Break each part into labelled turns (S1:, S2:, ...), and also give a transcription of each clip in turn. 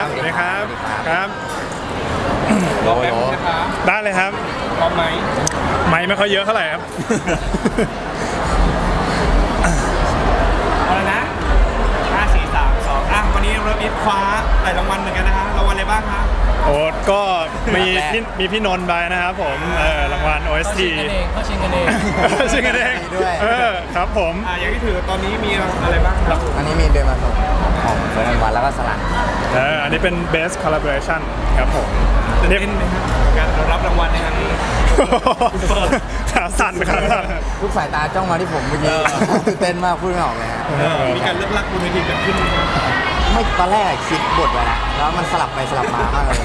S1: สวัสดีครับครับ
S2: รอแป๊บนึงนะครับ
S1: ได้เลยครับ
S2: พร้อมไหม
S1: ไม่ค่อยเยอะเท่าไหร่ครับ
S2: เอาละนะ5 4 3 2วันนี้เราอีทคว้าหลายรางวัลเหมือนกันนะฮะรางวัลอะไรบ้างครับ
S1: โอ้ก็มีพี่นนท์ไปนะครับผมรางวัล OST
S3: เขาชิงกันเอง
S1: ชิงกันเองครับผม
S2: อย่างที่ถือตอนนี้มีอะไรบ้างครับ
S4: อันนี้มีเดินมาส่งของเฟิร์นวันแล้วก็สลัด
S1: อันนี้เป็น Best Collaboration ครับผม
S2: ตื่นเต้นไหมครับการรับรางวัลในครั้งนี้
S1: ขาสั่นขาสั่น
S4: ทุกสายตาจ้องมาที่ผมเมื่อกี้ตื่นเต้นมากพูดไม่ออกเลยฮะ
S2: มีการเลือกลักบนเวทีเกิดขึ้นไหมครับ
S4: ไม่ตอนแรกคิดบทไว้แล้วแล้วมันสลับไปสลับมามากเลย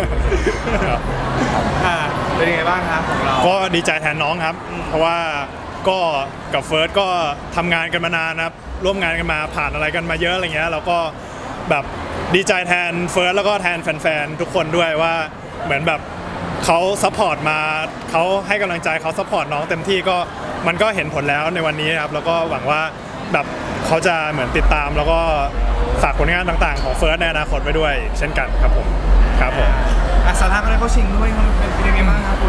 S2: เป็นยังไงบ้างครับของเรา
S1: ก็ดีใจแทนน้องครับ เพราะว่าก็กับเฟิร์สก็ทำงานกันมานานนะครับร่วมงานกันมาผ่านอะไรกันมาเยอะอะไรเงี้ยเราก็แบบดีใจแทนเฟิร์สแล้วก็แทนแฟนๆทุกคนด้วยว่าเหมือนแบบเขาซัพพอร์ตมาเขาให้กำลังใจเขาซัพพอร์ตน้องเต็มที่ก็มันก็เห็นผลแล้วในวันนี้ครับแล้วก็หวังว่าแบบเขาจะเหมือนติดตามแล้วก็ฝากผลงานต่างๆของเฟิร์สในอนาคตไว้ด้วยเช่นกันครับผมครับผม
S2: สาธารณะก็ได้เข้าชิงด้วยเป็นยังไงบ้างครับคุณ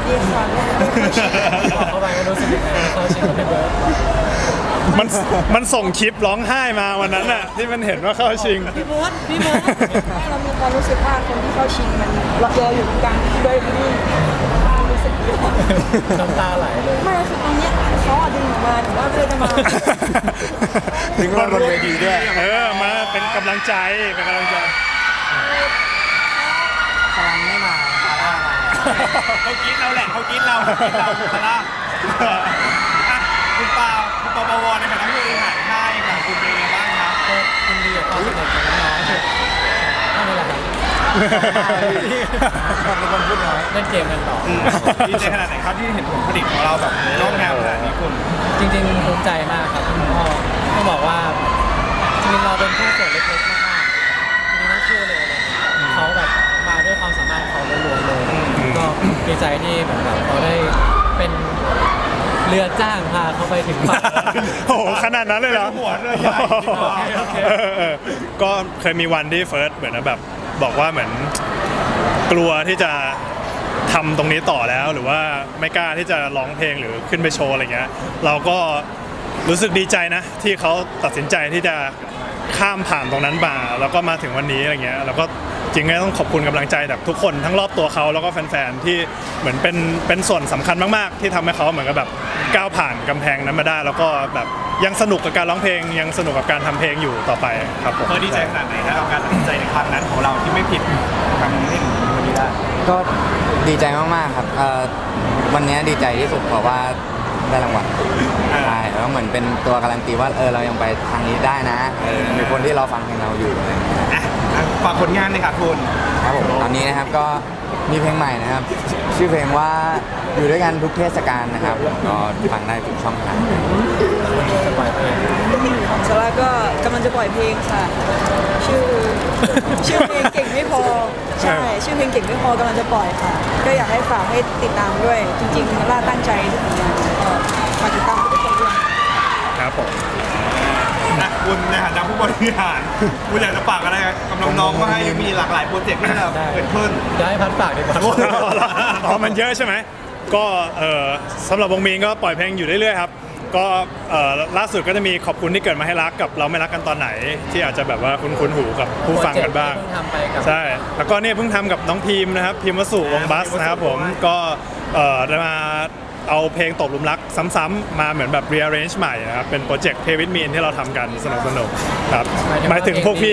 S3: บอกเข้าไปว่ารู้สึกยังไงเขาชิงกับพี่เบิร์ด
S1: มันส่งคลิปร้องไห้มาวันนั้นน่ะที่มันเห็นว่าเข้าชิง
S5: พี่เบิร์ดเรามีความรู้สึกว่าคนที่เข้าชิงมันเราอยู่กลางด้วยนี่รู้สึกดี
S3: น้ำตาไหลเลย
S5: ไม่คือตอนเนี้ยเขาดึงออกมาแต่ว่าเพื่อนจะมา
S4: ถึงว่าบนเวทีด้วย
S1: มาเป็นกำลังใจเป็นกำลังใจ
S4: สลันไม่มาซาร่ามา
S2: เขากินเราแหละเขากินเราซาร่าคุณปาปวในฐานะผู้บริหารค่ายของคุณเป็นยังไงบ้างครับ
S3: ก็คุณดีกับความสนุกของน้องๆนั่นแหละครับ
S4: เป็นคนพูดน้อย
S3: เล่นเกมกันต่อ
S2: ดีใจขนาดไหนครับที่เห็นผลผลิตของเราแบบนอกแนวขนาดนี้คุณ
S3: จริงๆภูมิใจมากครับคุณพ่อต้องบอกว่าจริงๆเราเป็นแค่ส่วนเล็กๆมากๆมีทั้งคู่เลยเขาแบบมาด้วยความสามารถของเขาล้วนๆเลยก็ดีใจที่เหมือนแบบเขาได้เป็นเรือจ้างพาเขาไปถึงฝั่ง
S1: โอ้โหขนาดนั้นเลยเหรอ
S2: หัวเรือใหญ่
S3: โอเค
S1: ก็เคยมีวันที่เฟิร์สเหมือนแบบบอกว่าเหมือนกลัวที่จะทำตรงนี้ต่อแล้วหรือว่าไม่กล้าที่จะร้องเพลงหรือขึ้นไปโชว์อะไรเงี้ยเราก็รู้สึกดีใจนะที่เขาตัดสินใจที่จะข้ามผ่านตรงนั้นมาแล้วก็มาถึงวันนี้อะไรเงี้ยแล้วก็จริงๆต้องขอบคุณกำลังใจจากทุกคนทั้งรอบตัวเขาแล้วก็แฟนๆที่เหมือนเป็นส่วนสำคัญมากๆที่ทำให้เขาเหมือนกับแบบก้าวผ่านกำแพงนั้นมาได้แล้วก็แบบยังสนุกกับการร้องเพลงยังสนุกกับการทำเพลงอยู่ต่อไปครับผม
S2: เธอดีใจขนาดไหนนะกับการตัดสินใจในครั้งนั้นของเราที่ไม่ผิดทำให้ถึงวันนี้ได้
S4: ก็ดีใจมากๆครับวันนี้ดีใจที่สุดเพราะว่าได้รางวัลใช่แล้วเหมือนเป็นตัวการันตีว่าเรายังไปทางนี้ได้นะมีคนที่รอฟังเพลงเราอยู่อะไรอย่างเงี้ย
S2: ฝากผลงานเลยค่ะคุณ
S4: ครับผมตอนนี้นะครับก็มีเพลงใหม่นะครับ ชื่อเพลงว่าอยู่ด้วยกันทุกเทศกาลนะครับก็ฟังได้ทุกช่องทาง
S5: ของซาร่าก็กำลังจะปล่อยเพลงค่ะ ชื่อเพลงเก่งไม่พอใช่ชื่อเพลงเก่งไม่พอกำลังจะปล่อยค่ะ ก็อยากให้ฝากให้ติดตามด้วย จริงๆซาร่าตั้งใจทุกอย่างก็ฝากติดตามทุกคนด้วย
S1: ครับผม
S2: คุณในฐานะผู้บริหารคุณอยากจะฝากอะไรกับน้องๆว่าให้มีหลากหลายโปรเจกต์ที่จะเกิดขึ้น
S3: เดี๋ยวให้พัดฝากดีกว่า
S1: อ๋อมันเยอะใช่ไหมก็สำหรับวงมีนก็ปล่อยเพลงอยู่เรื่อยๆครับก็ล่าสุดก็จะมีขอบคุณที่เกิดมาให้รักกับเราไม่รักกันตอนไหน ที่อาจจะแบบว่าคุ้นๆหูกับผู้ฟังกันบ้าง
S3: โปรเจกต์ที่เพิ่งทำไปกับ
S1: ใช่แล้วก็เนี่ยเพิ่งทำกับน้องพิมพ์นะครับพิมพ์วสุวงศ์บัสนะครับผมก็ได้มาเอาเพลงตบหลุมรักซ้ำๆมาเหมือนแบบ rearrange ใหม่นะครับเป็นโปรเจกต์ Play with Me ที่เราทำกันสนุกๆครับหมายถึงพวกพี่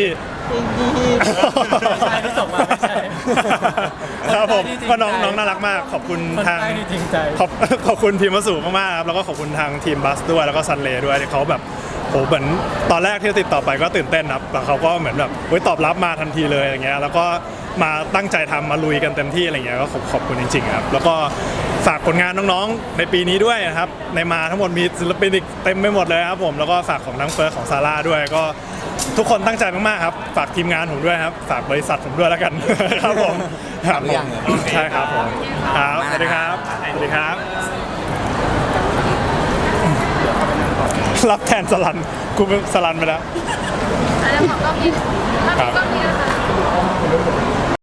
S3: ใช่ที่ส่งมาไม่ใช่
S1: ครับผม
S3: คนใต้ที่จริงใจ
S1: ก็น้องน่ารักมากขอบคุณทาง
S3: คนใต้ที่จริงใจ
S1: ขอบคุณพิมพ์วสุมากๆครับแล้วก็ขอบคุณทางทีมบัสด้วยแล้วก็ซันเลด้วยที่เขาแบบโหเหมือนตอนแรกที่ติดต่อไปก็ตื่นเต้นครับแล้วเขาก็เหมือนแบบตอบรับมาทันทีเลยอย่างเงี้ยแล้วก็มาตั้งใจทำมาลุยกันเต็มที่อะไรเงี้ยก็ขอบคุณจริงๆครับแล้วก็ฝากผลงานน้องๆในปีนี้ด้วยนะครับในมาทั้งหมดมีศิลปินอีกเต็มไปหมดเลยครับผมแล้วก็ฝากของทั้งเฟิร์สของซาร่าด้วยก็ทุกคนตั้งใจมากๆครับฝากทีมงานผมด้วยครับฝากบริษัทผมด้วยแล้วกัน ครับผมครับผมใช่ครับผมครับสวัสดีครับสวัสดีครับ รับแทนสลันกูเป็นสลันไปแล้ว
S6: แล้วของก็มีถ้ามีก็มี